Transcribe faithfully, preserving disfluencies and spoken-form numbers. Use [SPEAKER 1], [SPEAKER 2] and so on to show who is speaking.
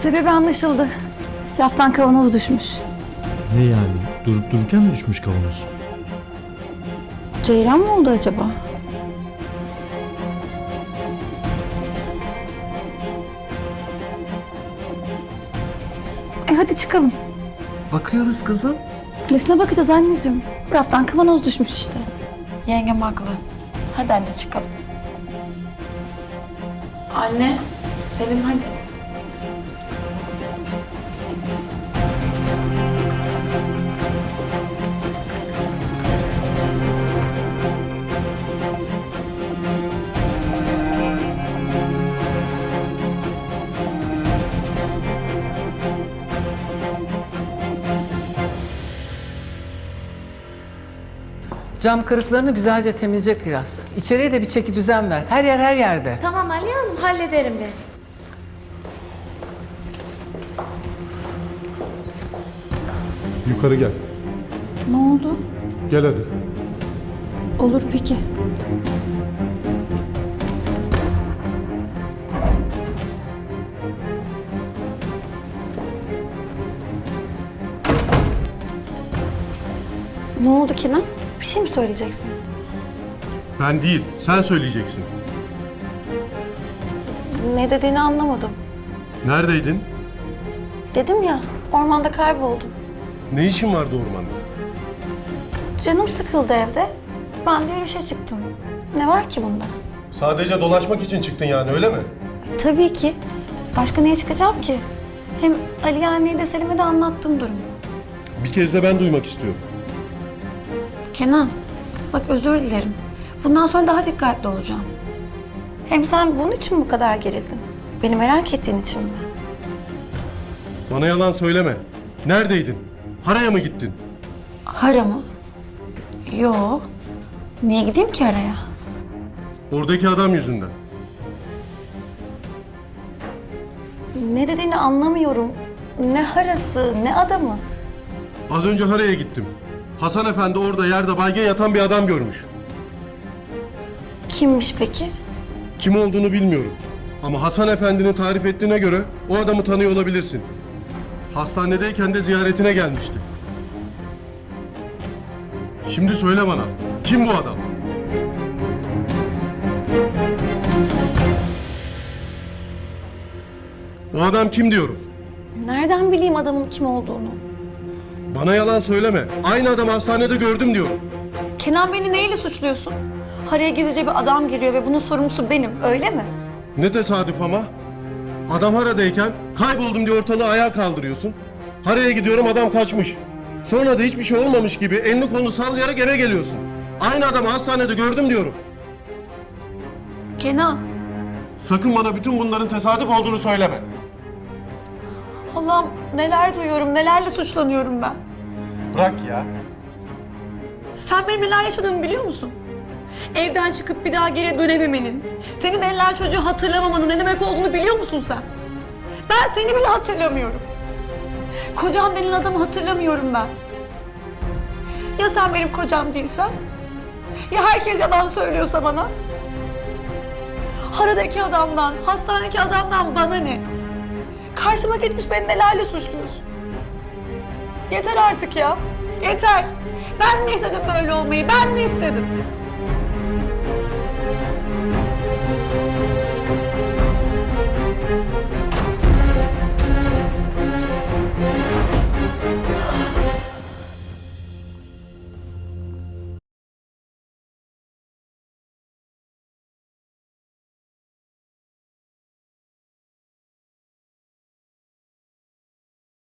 [SPEAKER 1] Sebebi anlaşıldı. Raftan kavanoz düşmüş.
[SPEAKER 2] Ne yani? Durup dururken mi düşmüş kavanoz?
[SPEAKER 1] Ceyran mı oldu acaba? E hadi çıkalım.
[SPEAKER 3] Bakıyoruz kızım.
[SPEAKER 1] Nesine bakacağız anneciğim? Raftan kavanoz düşmüş işte.
[SPEAKER 4] Yengem haklı. Hadi anne çıkalım. Anne, Selim hadi.
[SPEAKER 3] Cam kırıklarını güzelce temizle Kiraz. İçeriye de bir çeki düzen ver. Her yer her yerde.
[SPEAKER 5] Tamam Aliye Hanım, hallederim ben.
[SPEAKER 6] Yukarı gel.
[SPEAKER 1] Ne oldu?
[SPEAKER 6] Gel hadi.
[SPEAKER 1] Olur peki. Ne oldu Kenan? Bir şey mi söyleyeceksin?
[SPEAKER 6] Ben değil, sen söyleyeceksin.
[SPEAKER 1] Ne dediğini anlamadım.
[SPEAKER 6] Neredeydin?
[SPEAKER 1] Dedim ya, ormanda kayboldum.
[SPEAKER 6] Ne işin vardı ormanda?
[SPEAKER 1] Canım sıkıldı evde. Ben de yürüyüşe çıktım. Ne var ki bunda?
[SPEAKER 6] Sadece dolaşmak için çıktın yani, öyle mi?
[SPEAKER 1] E, tabii ki. Başka neye çıkacağım ki? Hem Aliye anneye de Selim'e de anlattım durumu.
[SPEAKER 6] Bir kez de ben duymak istiyorum.
[SPEAKER 1] Kenan, bak özür dilerim. Bundan sonra daha dikkatli olacağım. Hem sen bunun için mi bu kadar gerildin? Beni merak ettiğin için mi?
[SPEAKER 6] Bana yalan söyleme. Neredeydin? Haraya mı gittin?
[SPEAKER 1] Hara mı? Yo. Niye gideyim ki araya?
[SPEAKER 6] Oradaki adam yüzünden.
[SPEAKER 1] Ne dediğini anlamıyorum. Ne harası, ne adamı.
[SPEAKER 6] Az önce Haraya gittim. Hasan Efendi orada yerde baygın yatan bir adam görmüş.
[SPEAKER 1] Kimmiş peki?
[SPEAKER 6] Kim olduğunu bilmiyorum. Ama Hasan Efendi'nin tarif ettiğine göre o adamı tanıyor olabilirsin. Hastanedeyken de ziyaretine gelmişti. Şimdi söyle bana, kim bu adam? O adam kim diyorum?
[SPEAKER 1] Nereden bileyim adamın kim olduğunu?
[SPEAKER 6] Bana yalan söyleme. Aynı adamı hastanede gördüm diyorum.
[SPEAKER 1] Kenan, beni neyle suçluyorsun? Haraya gizlice bir adam giriyor ve bunun sorumlusu benim, öyle mi?
[SPEAKER 6] Ne tesadüf ama. Adam Hara'dayken kayboldum diye ortalığı ayağa kaldırıyorsun. Hara'ya gidiyorum, adam kaçmış. Sonra da hiçbir şey olmamış gibi elini kolunu sallayarak eve geliyorsun. Aynı adamı hastanede gördüm diyorum.
[SPEAKER 1] Kenan,
[SPEAKER 6] Sakın bana bütün bunların tesadüf olduğunu söyleme.
[SPEAKER 1] Allah'ım neler duyuyorum, nelerle suçlanıyorum ben.
[SPEAKER 6] Bırak ya.
[SPEAKER 1] Sen benim neler yaşadığımı biliyor musun? Evden çıkıp bir daha geri dönememenin, senin eller çocuğu hatırlamamanın ne demek olduğunu biliyor musun sen? Ben seni bile hatırlamıyorum. Kocam denilen adamı hatırlamıyorum ben. Ya sen benim kocam değilsen? Ya herkes yalan söylüyorsa bana? Haradaki adamdan, hastanedeki adamdan bana ne? Karşıma geçmiş beni nelerle suçluyorsun? Yeter artık ya, yeter. Ben mi istedim böyle olmayı, ben mi istedim?